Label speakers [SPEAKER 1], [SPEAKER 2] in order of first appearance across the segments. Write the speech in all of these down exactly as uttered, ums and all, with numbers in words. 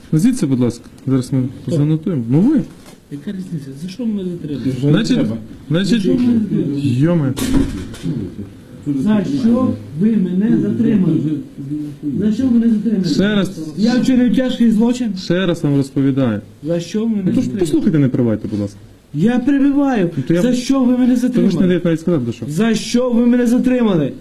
[SPEAKER 1] Назвіться, будь ласка. Зараз ми занотуємо. Ну ви.
[SPEAKER 2] Яка різниця? За що ми затримали?
[SPEAKER 1] Значить, значить, йоме.
[SPEAKER 2] За що ви мене затримали? За що ви мене затримали?
[SPEAKER 1] Ще раз,
[SPEAKER 2] Я вчинив тяжкий злочин.
[SPEAKER 1] ще раз вам розповідаю.
[SPEAKER 2] За що ви мене
[SPEAKER 1] Ну, тож
[SPEAKER 2] затримали?
[SPEAKER 1] послухайте, не привайте, будь ласка.
[SPEAKER 2] Я перебиваю.
[SPEAKER 1] то я-
[SPEAKER 2] За що ви мене
[SPEAKER 1] То ви ж не
[SPEAKER 2] затримали?
[SPEAKER 1] даєте навіть сказати, до що.
[SPEAKER 2] За що ви мене затримали?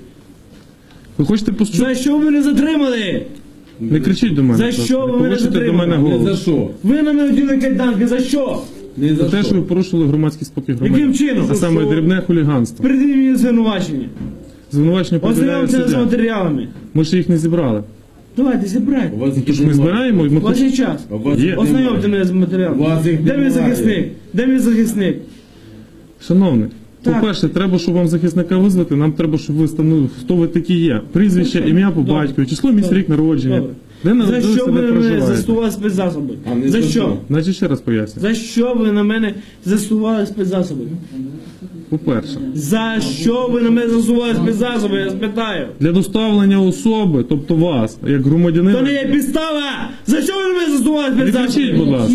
[SPEAKER 1] Ви хочете почути?
[SPEAKER 2] За що ви мене затримали?
[SPEAKER 1] Не кричіть до мене.
[SPEAKER 2] За
[SPEAKER 1] будь ласка.
[SPEAKER 2] що ви
[SPEAKER 1] Не
[SPEAKER 2] мене
[SPEAKER 1] повишуйте до
[SPEAKER 2] затримали?
[SPEAKER 1] мене
[SPEAKER 3] Не
[SPEAKER 1] голос.
[SPEAKER 3] за що?
[SPEAKER 2] Ви на мене вділи кайданки. За що?
[SPEAKER 3] Не
[SPEAKER 1] За
[SPEAKER 3] за
[SPEAKER 1] те, що ви
[SPEAKER 3] що?
[SPEAKER 1] порушили громадський спокій
[SPEAKER 2] Яким
[SPEAKER 1] громадян.
[SPEAKER 2] чином?
[SPEAKER 1] А саме дрібне хуліганство.
[SPEAKER 2] Передивіть мені звинувачення.
[SPEAKER 1] Звинувачення повідомляє
[SPEAKER 2] Ознайомтеся з
[SPEAKER 1] суддя.
[SPEAKER 2] матеріалами.
[SPEAKER 1] Ми ще їх не зібрали.
[SPEAKER 2] Давайте, зібрайте.
[SPEAKER 3] У вас їх
[SPEAKER 1] Тож ми
[SPEAKER 3] немає.
[SPEAKER 1] збираємо і ми
[SPEAKER 2] У вас
[SPEAKER 1] хочемо.
[SPEAKER 2] є час.
[SPEAKER 3] А у вас
[SPEAKER 1] Є.
[SPEAKER 3] їх
[SPEAKER 2] Ознайомте
[SPEAKER 3] немає.
[SPEAKER 2] мене з матеріалами.
[SPEAKER 3] У вас їх
[SPEAKER 2] Де мій
[SPEAKER 3] немає.
[SPEAKER 2] захисник? Де мій захисник?
[SPEAKER 1] Шановний,
[SPEAKER 2] Так.
[SPEAKER 1] по-перше, треба, щоб вам захисника визвати, нам треба, щоб ви встановили, хто ви такі є. Прізвище,
[SPEAKER 2] Добре.
[SPEAKER 1] ім'я по
[SPEAKER 2] Добре.
[SPEAKER 1] батькові, число місць,
[SPEAKER 2] Добре.
[SPEAKER 1] рік народження.
[SPEAKER 2] Добре.
[SPEAKER 1] Де
[SPEAKER 2] За
[SPEAKER 1] народилися,
[SPEAKER 2] що ви
[SPEAKER 1] де
[SPEAKER 2] на мене
[SPEAKER 1] проживаєте.
[SPEAKER 2] застосували спецзасоби?
[SPEAKER 3] А не
[SPEAKER 2] За
[SPEAKER 3] за
[SPEAKER 2] що?
[SPEAKER 3] що?
[SPEAKER 1] Значить, ще раз поясню.
[SPEAKER 2] За що ви на мене застосували спецзасоби?
[SPEAKER 1] По-перше,
[SPEAKER 2] За що ви на мене застосували спецзасоби? Я спитаю.
[SPEAKER 1] для доставлення особи, тобто вас, як громадянина.
[SPEAKER 2] То не є підстава! За що ви на мене застосували
[SPEAKER 1] Не кричіть,
[SPEAKER 2] спецзасоби?
[SPEAKER 1] будь ласка.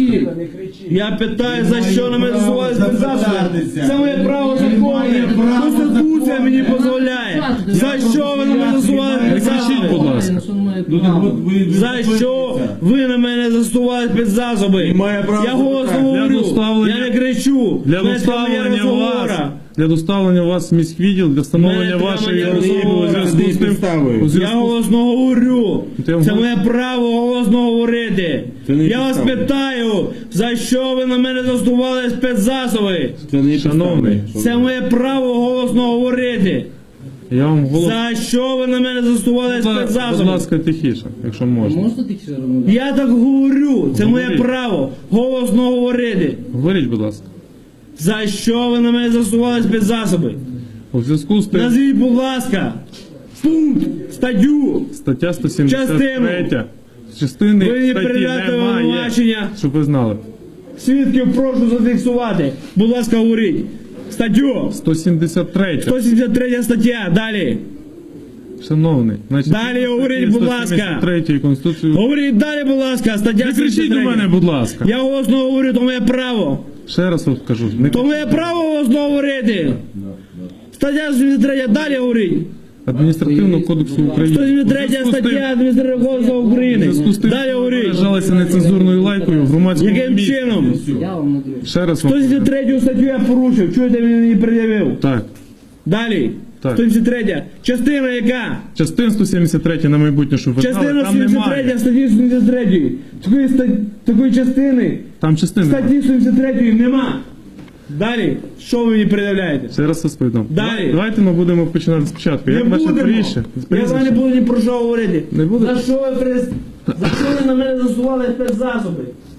[SPEAKER 2] Я питаю, за що на мене
[SPEAKER 3] право
[SPEAKER 2] застосували спецзасоби?
[SPEAKER 3] запитатися.
[SPEAKER 2] Це моє право законне. Конституція мені дозволяє. За що ви на мене застосували
[SPEAKER 1] Не кричіть, будь
[SPEAKER 2] спецзасоби?
[SPEAKER 1] ласка.
[SPEAKER 3] Ну, так от ви- ви
[SPEAKER 2] За що ви на мене застосували спецзасоби?
[SPEAKER 3] І має право
[SPEAKER 2] Я голосно
[SPEAKER 3] запитати.
[SPEAKER 1] Для
[SPEAKER 2] говорю,
[SPEAKER 1] доставлення-
[SPEAKER 2] я не кричу.
[SPEAKER 1] Для
[SPEAKER 2] Мене це моя
[SPEAKER 1] доставлення вас,
[SPEAKER 2] розмова.
[SPEAKER 1] для доставлення вас в міськвідділ, для встановлення
[SPEAKER 2] Мене треба
[SPEAKER 1] вашої
[SPEAKER 2] не
[SPEAKER 1] особи у
[SPEAKER 2] розмова.
[SPEAKER 1] зв'язку з тим,
[SPEAKER 3] Підставою.
[SPEAKER 1] у
[SPEAKER 2] Я
[SPEAKER 1] зв'язку з-
[SPEAKER 2] голосно говорю.
[SPEAKER 1] Ти вам
[SPEAKER 2] Це
[SPEAKER 1] гол-
[SPEAKER 2] моє право голосно говорити.
[SPEAKER 3] Це не
[SPEAKER 2] Я вас
[SPEAKER 3] підстава.
[SPEAKER 2] питаю, за що ви на мене застосували спецзасоби?
[SPEAKER 3] Це не
[SPEAKER 1] Шановний.
[SPEAKER 3] підстави.
[SPEAKER 2] Це моє право голосно говорити.
[SPEAKER 1] Я вам голос.
[SPEAKER 2] За що ви на мене застосували
[SPEAKER 1] Будь
[SPEAKER 2] спецзасоби?
[SPEAKER 1] ласка, тихіше, якщо можна.
[SPEAKER 4] Можна тихіше робити?
[SPEAKER 2] Я так говорю. Це моє
[SPEAKER 1] Говоріть.
[SPEAKER 2] право голосно говорити.
[SPEAKER 1] Говоріть, будь ласка.
[SPEAKER 2] За що ви на мене застосували спецзасоби?
[SPEAKER 1] У зв'язку з тим,
[SPEAKER 2] Назвіть, будь ласка, пункт, статтю.
[SPEAKER 1] стаття сто сімдесят три.
[SPEAKER 2] Частину.
[SPEAKER 1] Частини
[SPEAKER 2] Ви мені
[SPEAKER 1] статті
[SPEAKER 2] передати
[SPEAKER 1] немає,
[SPEAKER 2] обвинувачення.
[SPEAKER 1] щоб ви знали.
[SPEAKER 2] Свідків прошу зафіксувати. Будь ласка, говоріть. Статтю.
[SPEAKER 1] сто сімдесят три.
[SPEAKER 2] сто сімдесят третя стаття. Далі.
[SPEAKER 1] Шановний, значить,
[SPEAKER 2] Далі говоріть, будь ласка.
[SPEAKER 1] сто сімдесят третій Конституції.
[SPEAKER 2] Говоріть далі, будь ласка. Стаття
[SPEAKER 1] Не кричіть
[SPEAKER 2] сімдесят
[SPEAKER 1] до
[SPEAKER 2] третя.
[SPEAKER 1] мене, будь ласка.
[SPEAKER 2] Я голосно говорю, то моє право.
[SPEAKER 1] Ще раз от кажу. Не...
[SPEAKER 2] То моє право голосно говорити. Стаття сімдесят третя. Далі говоріть.
[SPEAKER 1] Адміністративного кодексу України.
[SPEAKER 2] сто сімдесят
[SPEAKER 1] У
[SPEAKER 2] третя
[SPEAKER 1] зв'язку з тим-
[SPEAKER 2] стаття Адміністративного кодексу
[SPEAKER 1] У
[SPEAKER 2] України.
[SPEAKER 1] зв'язку з тим,
[SPEAKER 2] Далі
[SPEAKER 1] що ви
[SPEAKER 2] говоріть.
[SPEAKER 1] виражалися нецензурною лайкою в громадському
[SPEAKER 2] Яким
[SPEAKER 1] місці.
[SPEAKER 2] чином?
[SPEAKER 4] Я вам надрю.
[SPEAKER 1] Ще раз вам
[SPEAKER 2] сто сімдесят третю статтю я порушив. Чуєте, він мені пред'явив.
[SPEAKER 1] Так.
[SPEAKER 2] Далі.
[SPEAKER 1] Так.
[SPEAKER 2] сто сімдесят третя. Частина яка?
[SPEAKER 1] Частин сто сімдесят три на майбутнє, щоб ви знали,
[SPEAKER 2] Частина
[SPEAKER 1] там
[SPEAKER 2] сімдесят
[SPEAKER 1] немає.
[SPEAKER 2] третя статті сто сімдесят третьої. Такої, ста- такої частини
[SPEAKER 1] Там частини.
[SPEAKER 2] статті сто сімдесят третьої нема. Далі. Що ви мені пред'являєте?
[SPEAKER 1] Ще раз розповідам.
[SPEAKER 2] Далі.
[SPEAKER 1] Давайте ми будемо починати спочатку.
[SPEAKER 2] Не
[SPEAKER 1] Як ваше
[SPEAKER 2] будемо.
[SPEAKER 1] прізвище?
[SPEAKER 2] Я з
[SPEAKER 1] Прізвище?
[SPEAKER 2] вами не буду ні про що говорити.
[SPEAKER 1] Не буде?
[SPEAKER 2] За що ви прес... За що ви на мене засували спецзасоби?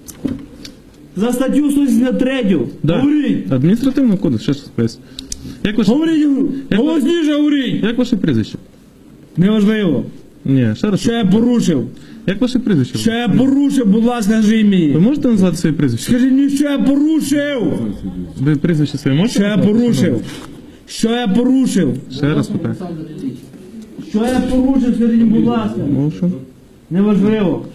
[SPEAKER 2] За статтю сто сімдесят три.
[SPEAKER 1] Да.
[SPEAKER 2] Говоріть.
[SPEAKER 1] Адміністративний кодекс, ще щось поясню. Як ваше,
[SPEAKER 2] Говоріть.
[SPEAKER 1] Як ви-
[SPEAKER 2] Голосніше говоріть.
[SPEAKER 1] як ваше прізвище?
[SPEAKER 2] Неважливо.
[SPEAKER 1] Ні, ще раз.
[SPEAKER 2] Що я порушив?
[SPEAKER 1] Як ваше прізвище?
[SPEAKER 2] Що я порушив, будь ласка, скажіть
[SPEAKER 1] Ви
[SPEAKER 2] мені.
[SPEAKER 1] можете назвати своє прізвище?
[SPEAKER 2] Скажіть мені, що я порушив.
[SPEAKER 1] Ви прізвище своє можете
[SPEAKER 2] Що я
[SPEAKER 1] назвати?
[SPEAKER 2] порушив? Що я порушив?
[SPEAKER 1] Ще раз питаю.
[SPEAKER 4] Олександр Ілліч.
[SPEAKER 2] Що я порушив, скажіть, будь ласка.
[SPEAKER 1] Моушен.
[SPEAKER 2] Неважливо.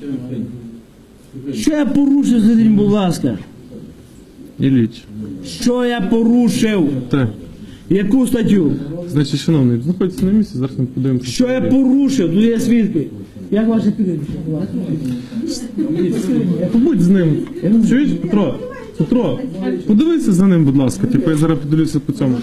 [SPEAKER 2] Що я порушив, скажіть, будь ласка.
[SPEAKER 1] Ілліч.
[SPEAKER 2] Що я порушив?
[SPEAKER 1] Так.
[SPEAKER 2] Яку статтю?
[SPEAKER 1] Значить, шановний, знаходиться на місці, зараз ми подивимося.
[SPEAKER 2] Що я порушив? Тут є свідки. Як ваше прізвище?
[SPEAKER 1] Побудь з ним. Чуєш, Петро? Петро, подивися за ним, будь ласка. Типу я зараз подивлюся по цьому.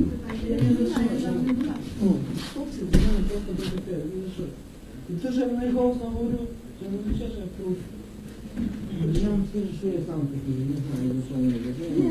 [SPEAKER 2] Це ж я не голосно говорю, це не означає, що я порушив. Я вам скажу, що я сам такий, не знаю, за що мене.